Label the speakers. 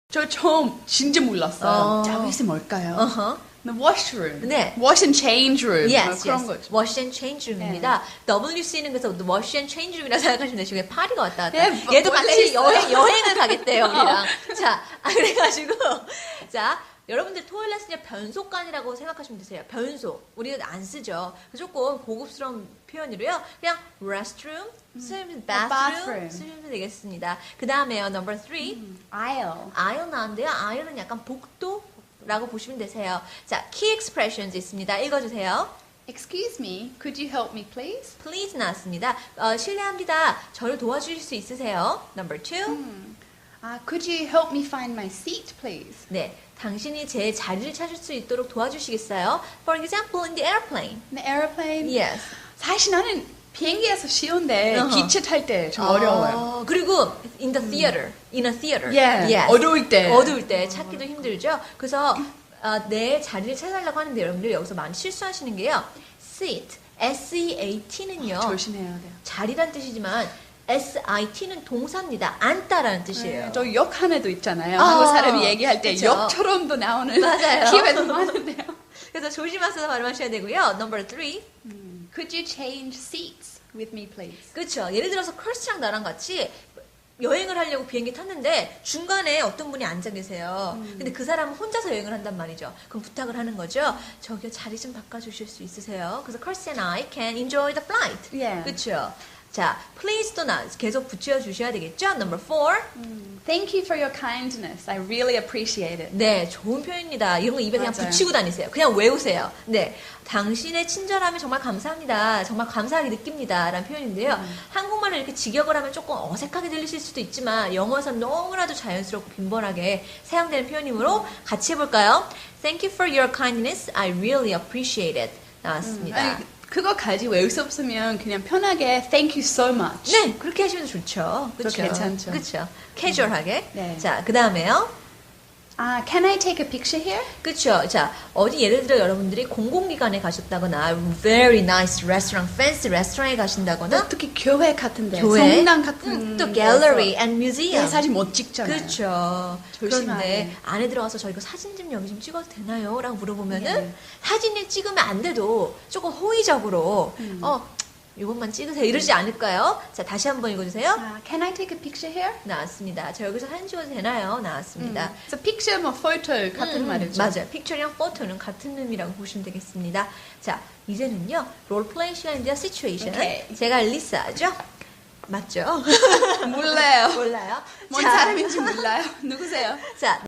Speaker 1: 저 처음 진짜 몰랐어요. 자켓이 뭘까요? The washroom.
Speaker 2: 네.
Speaker 1: Wash and change room.
Speaker 2: Yes,
Speaker 1: 그런
Speaker 2: yes.
Speaker 1: 거죠.
Speaker 2: Wash and change room입니다. WC는 그래서 wash and change room이라 생각하시면 되시고 파리가 왔다 갔다.
Speaker 1: 네,
Speaker 2: 얘도
Speaker 1: 원래
Speaker 2: 같이
Speaker 1: 있어요.
Speaker 2: 여행을 가겠대요, 우리랑. 자, 그래가지고 자, 여러분들 토일렛은 변속관이라고 생각하시면 되세요. 변속. 우리는 안 쓰죠. 조금 고급스러운 표현으로요. 그냥 restroom, bathroom 쓰시면 되겠습니다. 그 다음에요, number 3.
Speaker 1: Aisle.
Speaker 2: aisle 나왔는데요. aisle은 약간 복도라고 보시면 되세요. 자, key expressions 있습니다. 읽어주세요.
Speaker 1: Excuse me, could you help me please?
Speaker 2: please 나왔습니다. 실례합니다. 저를 도와주실 수 있으세요? number 2.
Speaker 1: Could you help me find my seat please?
Speaker 2: 네, 당신이 제 자리를 찾을 수 있도록 도와주시겠어요? For example, in the airplane.
Speaker 1: The airplane.
Speaker 2: Yes.
Speaker 1: 사실 나는 비행기에서 쉬운데 기차 탈 때 좀 어려워요.
Speaker 2: 그리고 in the theater, in a theater.
Speaker 1: Yeah.
Speaker 2: Yes.
Speaker 1: 어두울 때.
Speaker 2: 찾기도 힘들죠. 그래서 내 자리를 찾아달라고 하는데 여러분들 여기서 많이 실수하시는 게요. seat, S-E-A-T는요.
Speaker 1: 조심해야 돼요.
Speaker 2: 자리란 뜻이지만 SIT는 동사입니다. 앉다라는 뜻이에요.
Speaker 1: 네, 저 역 하나도 있잖아요. 한국 사람이 얘기할 때
Speaker 2: 그쵸?
Speaker 1: 역처럼도 나오는
Speaker 2: 맞아요.
Speaker 1: 기회도 많은데요.
Speaker 2: 그래서 조심하셔서 발음하셔야 되고요. Number 3.
Speaker 1: Could you change seats with me please?
Speaker 2: 그렇죠. 예를 들어서 크리스랑 나랑 같이 여행을 하려고 비행기 탔는데 중간에 어떤 분이 앉아 계세요. 근데 그 사람은 혼자서 여행을 한단 말이죠. 그럼 부탁을 하는 거죠. 저기요 자리 좀 바꿔주실 수 있으세요? 그래서 Chris and I can enjoy the flight.
Speaker 1: Yeah.
Speaker 2: 그렇죠. 자, please도 계속 붙여주셔야 되겠죠. Number 4.
Speaker 1: Thank you for your kindness. I really appreciate it.
Speaker 2: 네, 좋은 표현입니다. 이런 거 입에 그냥
Speaker 1: 맞아요.
Speaker 2: 붙이고 다니세요. 그냥 외우세요. 네, 당신의 친절함이 정말 감사합니다. 정말 감사하게 느낍니다. 라는 표현인데요. 한국말을 이렇게 직역을 하면 조금 어색하게 들리실 수도 있지만 영어에서는 너무나도 자연스럽고 빈번하게 사용되는 표현이므로 같이 해볼까요? Thank you for your kindness. I really appreciate it. 나왔습니다.
Speaker 1: 아니, 그거까지 외울 수 없으면 그냥 편하게 Thank you so much.
Speaker 2: 네, 그렇게 하시면 좋죠.
Speaker 1: 그거 괜찮죠.
Speaker 2: 그렇죠. 캐주얼하게.
Speaker 1: 네.
Speaker 2: 자, 그 다음에요.
Speaker 1: Can I take a picture here?
Speaker 2: 그렇죠. 자, 어디 예를 들어 여러분들이 공공기관에 가셨다거나 very nice restaurant, fancy restaurant에 가신다거나
Speaker 1: 특히 교회 같은데,
Speaker 2: 교회,
Speaker 1: 성당 같은
Speaker 2: 또 gallery and museum.
Speaker 1: 사진 못 찍잖아요.
Speaker 2: 그렇죠.
Speaker 1: 조심하게.
Speaker 2: 그런데 안에 들어가서 저 이거 사진 좀 여기 좀 찍어도 되나요? 라고 물어보면은
Speaker 1: 네.
Speaker 2: 사진을 찍으면 안 돼도 조금 호의적으로 이것만 찍으세요. 이러지 않을까요? 자, 다시 한번 읽어주세요.
Speaker 1: Can I take a picture here?
Speaker 2: 나왔습니다. 저 여기서 사진 찍어도 되나요? 나왔습니다.
Speaker 1: 그래서 picture, 뭐 photo 같은 말이죠.
Speaker 2: 맞아요. 픽처랑 포토는 같은 의미라고 보시면 되겠습니다. 자, 이제는요. 롤플레이 시간인데요. 시츄에이션.
Speaker 1: 오케이.
Speaker 2: 제가 리사죠? 맞죠?
Speaker 1: 몰라요.
Speaker 2: 몰라요?
Speaker 1: 뭔
Speaker 2: 자,
Speaker 1: 사람인지 몰라요. 누구세요?
Speaker 2: 자,